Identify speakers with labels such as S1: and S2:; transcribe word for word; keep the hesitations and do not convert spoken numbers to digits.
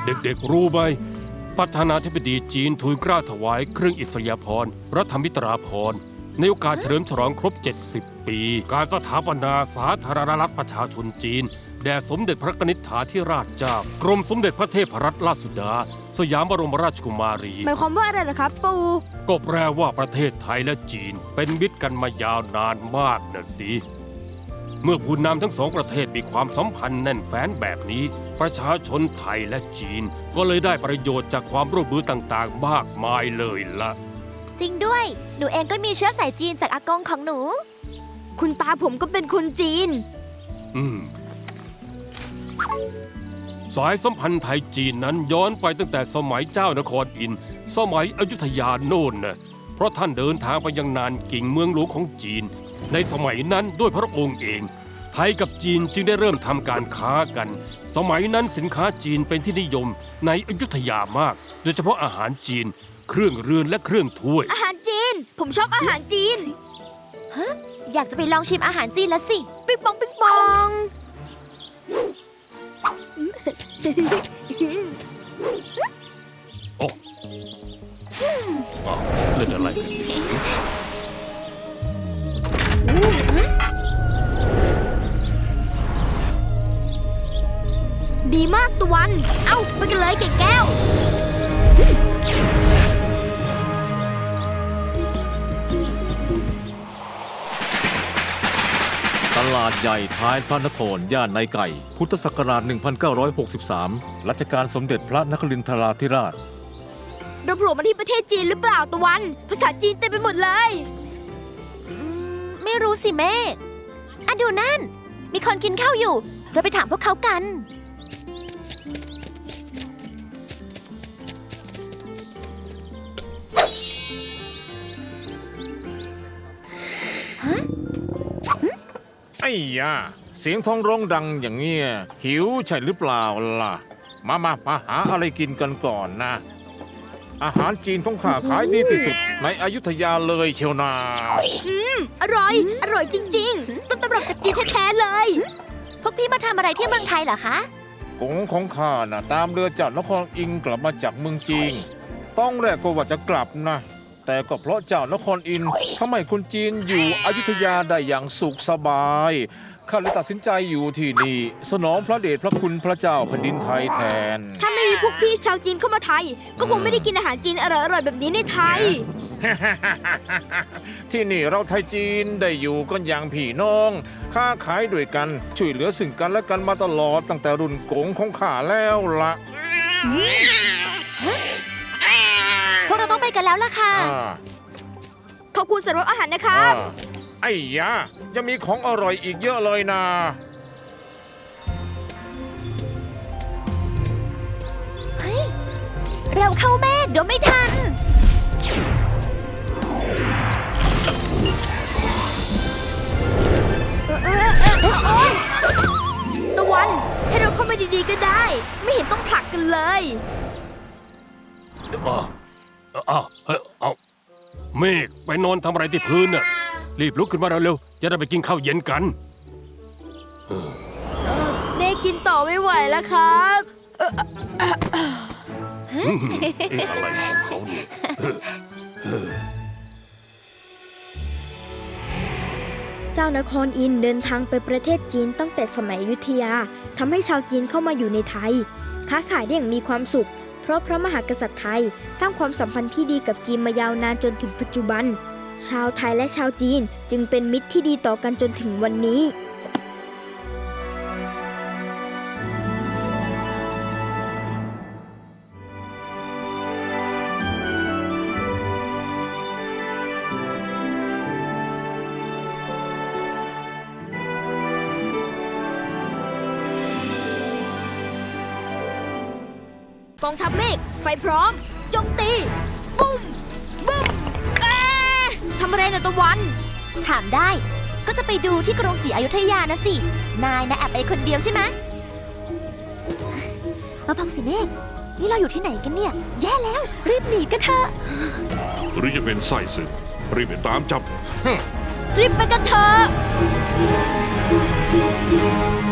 S1: เด็กๆรู้ไหมประธานาธิบดีจีนทูลเกล้าถวายเครื่องอิสริยาภรณ์รัฐมิตราภรณ์ในโอกาสเฉลิมฉลองครบ เจ็ดสิบ ปี การสถาปนาสาธารณรัฐประชาชนจีนแด่สมเด็จพระนิธิธิราชเจ้ากรมสมเด็จพระเทพรัตนราชสุดาสยามบรมราชกุมารี
S2: หมายความว่าอะไรล่ะครับปู่
S1: ก็แปลว่าประเทศไทยและจีนเป็นมิตรกันมายาวนานมากนะสิเมื่อผู้นำทั้งสองประเทศมีความสัมพันธ์แน่นแฟ้นแบบนี้ประชาชนไทยและจีนก็เลยได้ประโยชน์จากความร่วมมือต่างๆมากมายเลยล่ะ
S3: จริงด้วยหนูเองก็มีเชื้อสายจีนจากอากงของหนู
S2: คุณตาผมก็เป็นคนจีน
S1: อืมสายสัมพันธ์ไทยจีนนั้นย้อนไปตั้งแต่สมัยเจ้านครอินทร์สมัยอยุธยาโน่นนะเพราะท่านเดินทางไปยังนานกิ่งเมืองหลวงของจีนในสมัยนั้นด้วยพระองค์เองไทยกับจีนจึงได้เริ่มทำการค้ากันสมัยนั้นสินค้าจีนเป็นที่นิยมในอยุธยามากโดยเฉพาะอาหารจีนเครื่องเรือนและเครื่องถ้วย
S2: อาหารจีนผมชอบอาหารจีน
S3: ฮะอยากจะไปลองชิมอาหารจีนละสิ
S2: ปิ๊งปองปิ๊งปอง
S1: โอ้เล่นอะไร
S2: ดีมากตะวันเอ้าไปกันเลยเก่งแก้ว
S4: ตลาดใหญ่ท้ายพระนครย่านในไก่พุทธศักราช หนึ่งพันเก้าร้อยหกสิบสาม รัชกาลสมเด็จพระนครินทราธิราช
S2: เราโผล่มาที่ประเทศจีนหรือเปล่าตะวันภาษาจีนเต็มไปหมดเลย
S3: ไม่รู้สิแม่อะดูนั่นมีคนกินข้าวอยู่เราไปถามพวกเขากัน
S4: ไอ้ยาเสียงท้องร้องดังอย่างเงี้ยหิวใช่หรือเปล่าล่ะมามามาหาอะไรกินกันก่อนนะอาหารจีนของข้าขายดีที่สุดในอยุธยาเลยเชียวนา
S2: อืมอร่อยอร่อยจริงๆต้นตำรับจากจีนแท้ๆเลย
S3: พวกพี่มาทำอะไรที่เมืองไทยเหรอคะ
S4: กงของข้าน่ะตามเรือจากนครอิงกลับมาจากเมืองจีนต้องแรกก็ว่าจะกลับนะแต่ก็เพราะเจ้านครอินทร์ทำให้คนจีนอยู่อยุธยาได้อย่างสุขสบายข้าเลยตัดสินใจอยู่ที่นี่สนองพระเดชพระคุณพระเจ้าแผ่นดินไทยแทน
S2: ถ้าไม่มีพวกพี่ชาวจีนเข้ามาไทยก็คงไม่ได้กินอาหารจีนอร่อยๆแบบนี้ในไทย
S4: ที่นี่เราไทยจีนได้อยู่กันอย่างพี่น้องค้าขายด้วยกันช่วยเหลือซึ่งกันและกันมาตลอดตั้งแต่รุ่นกงของข้าแล้วล่ะ
S3: พวกเราต้องไปกันแล้วล่ะค่ะ
S2: ขอบคุณสำหรับอาหารนะครับ
S4: ไอ้ยายังมีของอร่อยอีกเยอะเลยนะ
S3: เฮ้ยเร็วเข้าแม่เดี๋ยวไม่ทัน
S2: ตะวันให้เราเข้ามาดีๆก็ได้ไม่เห็นต้องผลักกันเลย
S1: อ้าวอ้าวเอาเมฆไปนอนทำอะไรที่พื้นน่ะรีบลุกขึ้นมาเร็วๆจะได้ไปกินข้าวเย็นกัน
S2: เมฆกินต่อไม่ไหวแล้วครับ
S1: อะไรของเขาเนี่ย
S2: เจ้านครอินทร์เดินทางไปประเทศจีนตั้งแต่สมัยอยุธยาทำให้ชาวจีนเข้ามาอยู่ในไทยค้าขายได้อย่างมีความสุขเพราะพระมหากษัตริย์ไทยสร้างความสัมพันธ์ที่ดีกับจีนมายาวนานจนถึงปัจจุบันชาวไทยและชาวจีนจึงเป็นมิตรที่ดีต่อกันจนถึงวันนี้กองทัพเมฆไฟพร้อมโจมตีบุ้มบุ้มทำอะไรนะตะวัน
S3: ถามได้ก็จะไปดูที่กรุงศรีอยุธยานะสินายนะแอบไปคนเดียวใช่ไหมมาพังสิเมฆนี่เราอยู่ที่ไหนกันเนี่ยแย่แล้วรีบหนีกันเถอะ
S5: หรือจะเป็นไส้ศึกรีบไปตามจับ
S2: รีบไปกันเถอะ